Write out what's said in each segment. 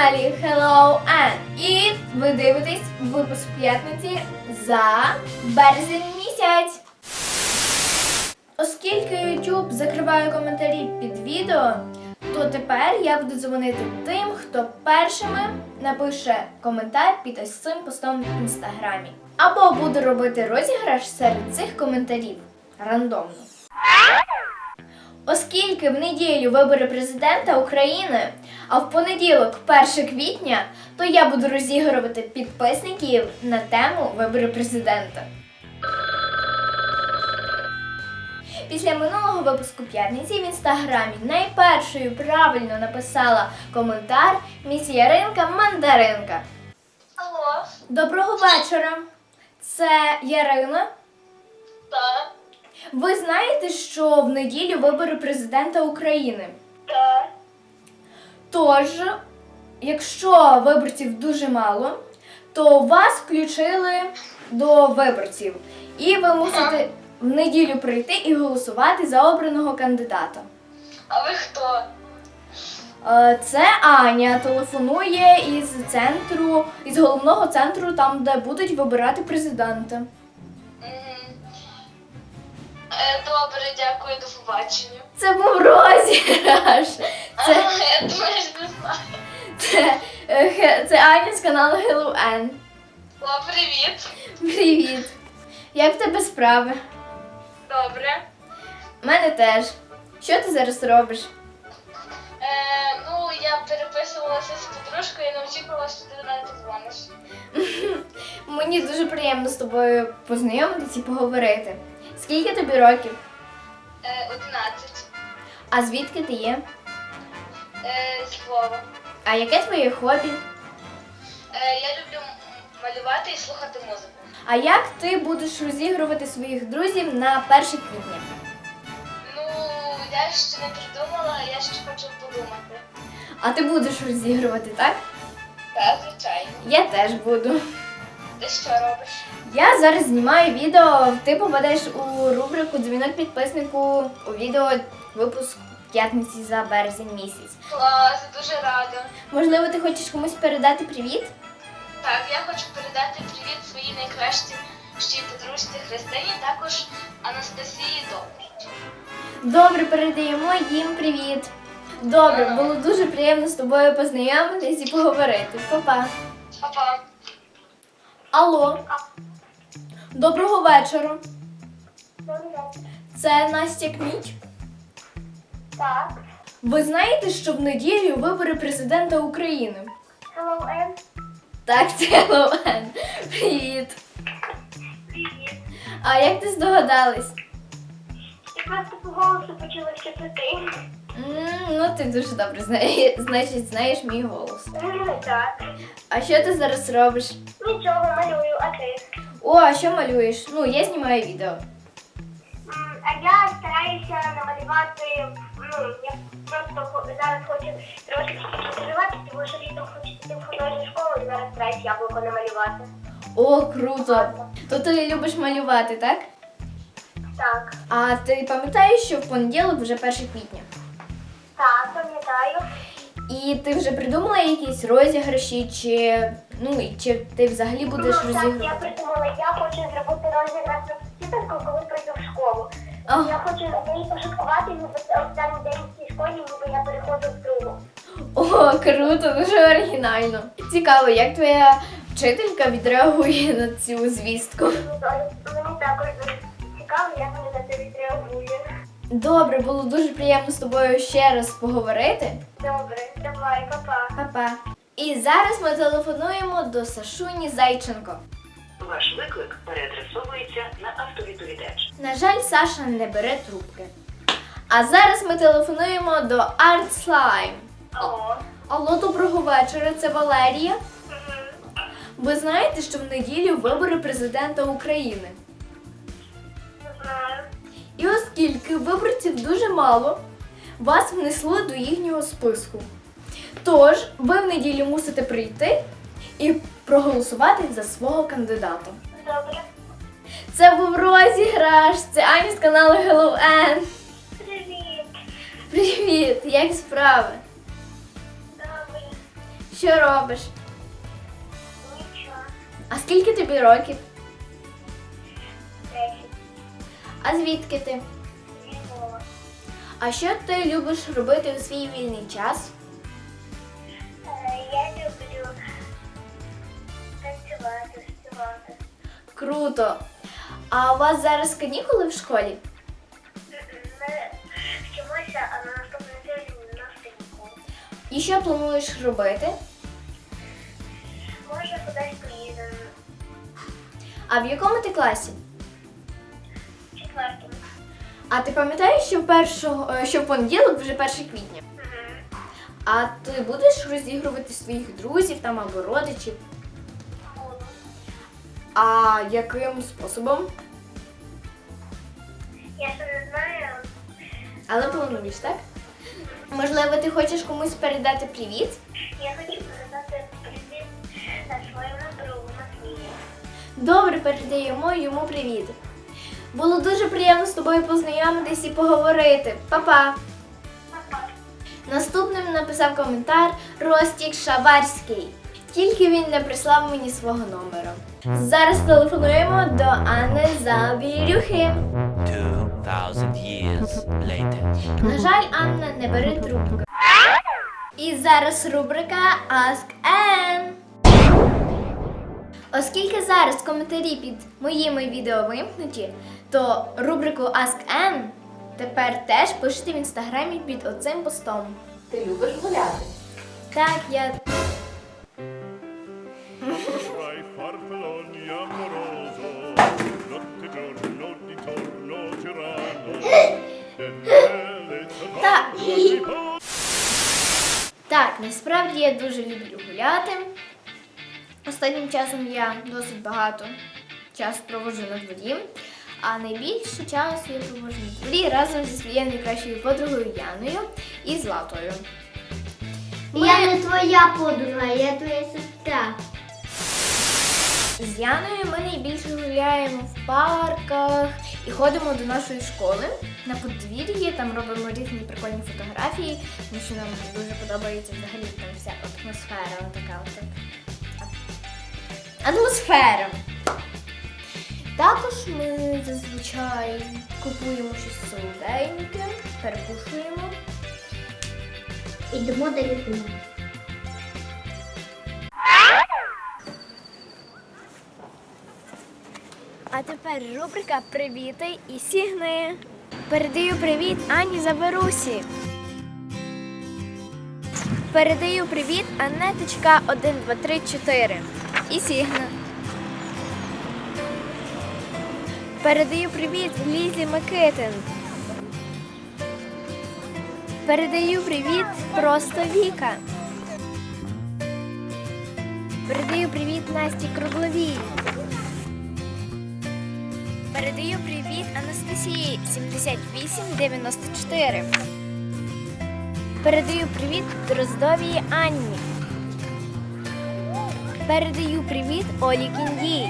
каналі Hello Ann. І ви дивитесь випуск п'ятниці за березень місяць. Оскільки YouTube закриває коментарі під відео, то тепер я буду дзвонити тим, хто першими напише коментар під ось цим постом в інстаграмі. Або буду робити розіграш серед цих коментарів рандомно. Оскільки в неділю вибори президента України, а в понеділок 1 квітня, то я буду розігрувати підписників на тему вибори президента. Після минулого випуску п'ятниці в інстаграмі найпершою правильно написала коментар міс Яринка Мандаринка. Алло. Доброго вечора. Це Ярина. Так. Ви знаєте, що в неділю вибори президента України? Так. Тож, якщо виборців дуже мало, то вас включили до виборців. І ви мусите в неділю прийти і голосувати за обраного кандидата. А ви хто? Це Аня телефонує із головного центру, там, де будуть вибирати президента. Добре, дякую, до побачення. Це був розіграш. Я думаю, не знаю. Це Аня з каналу Hello Ann. О, привіт. Привіт. Як в тебе справи? Добре. У мене теж. Що ти зараз робиш? Я переписувалася з подружкою і не очікувала, що ти до мене дзвониш. Мені дуже приємно з тобою познайомитися і поговорити. Скільки тобі років? 11. А звідки ти є? З Львова. А яке твоє хобі? Я люблю малювати і слухати музику. А як ти будеш розігрувати своїх друзів на 1 квітня? Я ще не придумала, я ще хочу подумати. А ти будеш розігрувати, так? Так, звичайно. Я теж буду. Ти що робиш? Я зараз знімаю відео, ти попадеш у рубрику «Дзвінок підписнику» у відео випуск п'ятниці за березень місяць. Клас, дуже рада. Можливо, ти хочеш комусь передати привіт? Так, я хочу передати привіт своїй найкращій подружці Христині, також Анастасії Добрич. Добре, передаємо їм привіт. Добре, було дуже приємно з тобою познайомитись і поговорити. Па-па. Па-па. Алло. Доброго вечора. Це Настя Кміч. Так. Ви знаєте, що в неділю вибори президента України? Hello, Ann. Так, це Hello Ann. Привіт. Привіт. А як ти здогадалась? Я просто по голосу почула, що це ти. Ну, ти дуже добре знаєш мій голос. Так. А що ти зараз робиш? Нічого, малюю, а ти? О, а що малюєш? Я знімаю відео. А я стараюся намалювати, я просто зараз хочу трошечки розвиватися, тому що літом хочу піти в художню школу і зараз стараюся яблуко намалювати. О, круто! То ти любиш малювати, так? Так. А ти пам'ятаєш, що в понеділок вже 1 квітня? Так, пам'ятаю. І ти вже придумала якісь розіграші, чи ти взагалі будеш Так, розігрувати? я придумала, я хочу зробити розіграш на вчительку, коли прийду в школу. Ага. Я хочу на неї пошуткувати, ніби останній день в цій школі, ніби я переходжу в другу. О, круто, дуже оригінально. Цікаво, як твоя вчителька відреагує на цю звістку? Мені також дуже цікаво, як вони на це відреагують. Добре, було дуже приємно з тобою ще раз поговорити. Добре, давай, па-па. Па-па. І зараз ми телефонуємо до Сашуні Зайченко. Ваш виклик переадресовується на автовідповідач. На жаль, Саша не бере трубки. А зараз ми телефонуємо до Art Slime. Алло. Алло, доброго вечора, це Валерія. Ви знаєте, що в неділю вибори президента України? Не знаю. І оскільки виборців дуже мало, вас внесли до їхнього списку. Тож, ви в неділю мусите прийти і проголосувати за свого кандидата. Добре. Це був розіграш, це Аня з каналу Hello Ann. Привіт. Привіт, як справи? Добре. Що робиш? Нічого. А скільки тобі років? 10. А звідки ти? Зі Львова. А що ти любиш робити у свій вільний час? Я люблю танцювати, співати. Круто! А у вас зараз канікули в школі? Ми вчимося, а на наступний тиждень у нас канікули. І що плануєш робити? Може, кудись поїдемо. А в якому ти класі? В 4-му. А ти пам'ятаєш, що в понеділок вже 1 квітня? А ти будеш розігрувати своїх друзів там або родичів? Буду. А яким способом? Я ще не знаю. Але плануєш, так? Можливо, ти хочеш комусь передати привіт? Я хочу передати привіт своєму другу Матвію. Добре, передаємо йому привіт. Було дуже приємно з тобою познайомитись і поговорити. Па-па! Папа. Наступним написав коментар Ростік Шаварський. Тільки він не прислав мені свого номера. Зараз телефонуємо до Анни Забірюхи. 2,000 years later. На жаль, Анна не бере трубку. І зараз рубрика Ask Ann. Оскільки зараз коментарі під моїми відео вимкнуті, то рубрику Ask Ann тепер теж пишете в інстаграмі під оцим постом. Ти любиш гуляти? Так, я... Vai farfalloni amoroso, notte giorno di torno girano, delle Так. trovate Так, насправді я дуже люблю гуляти. Останнім часом я досить багато часу проводжу на дворі, а найбільше часу я проводжу на дворі разом зі своєю найкращою подругою Яною і Златою. Я не твоя подруга, я твоя сестра. З Яною ми найбільше гуляємо в парках і ходимо до нашої школи на подвір'ї, там робимо різні прикольні фотографії, тому що нам дуже подобається взагалі там вся атмосфера, така от. Атмосфера. Також ми зазвичай купуємо щось солоденьке, перекушуємо. Ідемо до лікаря. А тепер рубрика «Привіти і сігни». Передаю привіт Ані Заберусі. Передаю привіт Анеточка 1234 і сігна. Передаю привіт Лізі Микитин. Передаю привіт Просто Віка. Передаю привіт Насті Кругловій. Передаю привіт Анастасії 7894. Передаю привіт Дроздовій Анні. Передаю привіт Олі Кіндій.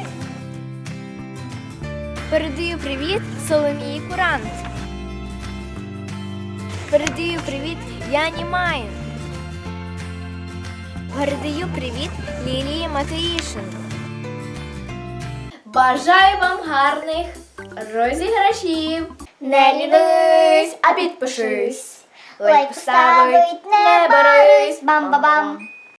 Передаю привіт Соломії Курант. Передаю привіт Яні Майн. Передаю привіт Лілії Матеїшин. Бажаю вам гарних розіграшів. Не лінусь, а підпишись. Лайк поставить, не борись. Бам-ба-бам.